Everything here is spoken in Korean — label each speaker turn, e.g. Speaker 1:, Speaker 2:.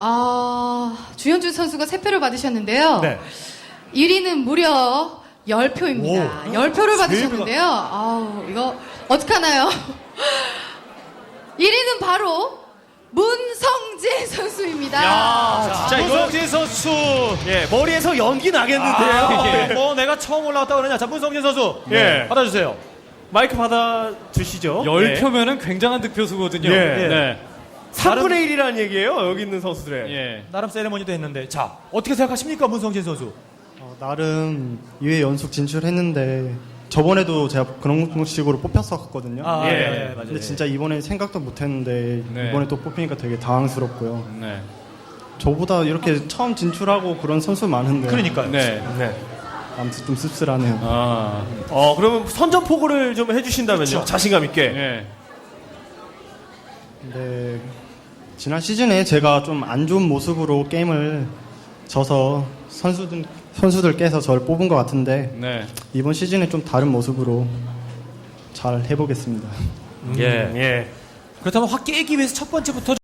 Speaker 1: 주현준 선수가 3표를 받으셨는데요.
Speaker 2: 네.
Speaker 1: 1위는 무려 10표입니다. 10표를 받으셨는데요. 이거 어떡하나요? 1위는 바로 문성재 선수입니다.
Speaker 2: 진짜 이거
Speaker 3: 문성재 선수.
Speaker 2: 예, 머리에서 연기 나겠는데요.
Speaker 3: 뭐 내가 처음 올라왔다 그러냐. 자, 문성재 선수.
Speaker 2: 예.
Speaker 3: 받아주세요.
Speaker 2: 마이크 받아 주시죠.
Speaker 4: 10표면은 굉장한 득표수거든요.
Speaker 2: 예.
Speaker 4: 네.
Speaker 2: 3분의 1이라는 얘기예요. 여기 있는 선수들의.
Speaker 4: 예.
Speaker 3: 나름 세레머니도 했는데. 자, 어떻게 생각하십니까, 문성재 선수?
Speaker 5: 나름 2회 연속 진출했는데 저번에도 제가 그런 식으로 뽑혔었거든요.
Speaker 2: 예.
Speaker 3: 맞아요.
Speaker 5: 근데 진짜 이번에 생각도 못했는데
Speaker 4: 네.
Speaker 5: 이번에 또 뽑히니까 되게 당황스럽고요.
Speaker 4: 네.
Speaker 5: 저보다 이렇게 처음 진출하고 그런 선수 많은데
Speaker 3: 그러니까요.
Speaker 4: 네.
Speaker 2: 네.
Speaker 5: 아무튼 좀 씁쓸하네요.
Speaker 2: 그러면 선전포고를 좀 해주신다면요.
Speaker 3: 그렇죠.
Speaker 2: 자신감 있게.
Speaker 4: 예.
Speaker 5: 근데 지난 시즌에 제가 좀 안 좋은 모습으로 게임을 져서 선수들께서 저를 뽑은 것 같은데
Speaker 4: 네.
Speaker 5: 이번 시즌에 좀 다른 모습으로 잘 해보겠습니다.
Speaker 2: 예.
Speaker 3: 그렇다면 확 깨기 위해서 첫 번째부터